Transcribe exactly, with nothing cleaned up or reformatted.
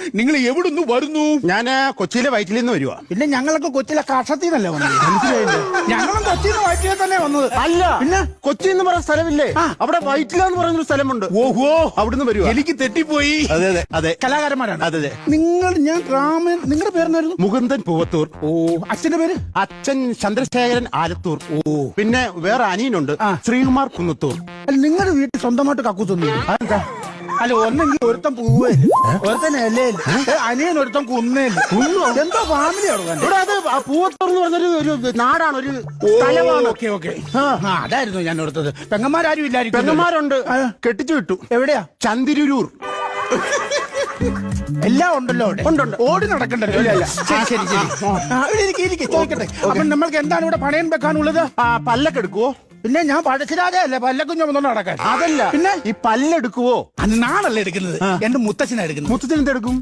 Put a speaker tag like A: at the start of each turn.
A: നിങ്ങൾ എവിടുന്ന് വരുന്നു?
B: ഞാൻ കൊച്ചിയിലെ വയറ്റിൽ നിന്ന് വരുവാ.
A: പിന്നെ ഞങ്ങളൊക്കെ കൊച്ചിയിലെ കഷത്തിന്നല്ലേ വന്നത്? ഞങ്ങളും കൊച്ചിന്ന് വയറ്റിലെ തന്നെ വന്നത്.
B: അല്ല, പിന്നെ കൊച്ചി എന്ന് പറയുന്ന സ്ഥലമില്ലേ, അവിടെ വയറ്റിലെന്ന് പറയുന്നൊരു സ്ഥലമുണ്ട്.
A: ഓഹോ,
B: അവിടുന്ന് വരുവാ.
A: എനിക്ക് തെറ്റിപ്പോയി.
B: അതെ അതെ അതെ,
A: കലാകാരന്മാരാണ്.
B: അതെ അതെ.
A: നിങ്ങൾ, ഞാൻ രാമൻ, നിങ്ങളുടെ പേരെന്നായിരുന്നു?
B: മുകുന്ദൻ പൂവത്തൂർ.
A: ഓ, അച്ഛന്റെ പേര്?
B: അച്ഛൻ ചന്ദ്രശേഖരൻ ആലത്തൂർ. ഓ, പിന്നെ വേറെ അനിയനുണ്ട്, ശ്രീകുമാർ കുന്നത്തൂർ.
A: അല്ല, നിങ്ങളുടെ വീട്ടിൽ സ്വന്തമായിട്ട് കക്കൂസൊന്നും?
B: അതെന്താ?
A: അല്ല, ഒന്നെങ്കിൽ ഒരുത്തം പൂവേ, ഒരുത്തൻ എലയിൽ, അനിയൻ ഒരുത്തം കുന്നേല്. എന്തോ ഫാമിലിയാണ്
B: ഇവിടെ. അത് പൂവത്തൂർ എന്ന് പറഞ്ഞൊരു ഒരു നാടാണ്, ഒരു സ്ഥലമാണ്.
A: ഓക്കെ ഓക്കെ, അതായിരുന്നു ഞാൻ ഓർത്തത്. പെങ്ങന്മാരും ഇല്ലായിരിക്കും?
B: പെങ്ങന്മാരുണ്ട്, കെട്ടിച്ചു വിട്ടു.
A: എവിടെയാ?
B: ചന്തിരൂർ.
A: എല്ലാം ഉണ്ടല്ലോ അവിടെ.
B: ഉണ്ടുണ്ട്.
A: ഓടി നടക്കണ്ടല്ലോ. ശരി ശരി ശരി, ഇരിക്കെ ഇരിക്കെ, ചോദിക്കട്ടെ. അപ്പൊ നമ്മൾക്ക് എന്താണ് ഇവിടെ പണയം വെക്കാനുള്ളത്?
B: പല്ലൊക്കെ എടുക്കുവോ?
A: പിന്നെ ഞാൻ പഴശ്ശിരാജയല്ലേ പല്ലക്കുഞ്ഞു വന്നോണ്ട് നടക്കാൻ?
B: അതല്ല,
A: പിന്നെ
B: ഈ പല്ലെടുക്കുവോ?
A: അത് നാളല്ലേ എടുക്കുന്നത്? എന്റെ മുത്തച്ഛനാ എടുക്കുന്നത്.
B: മുത്തച്ഛൻ എന്തെടുക്കും?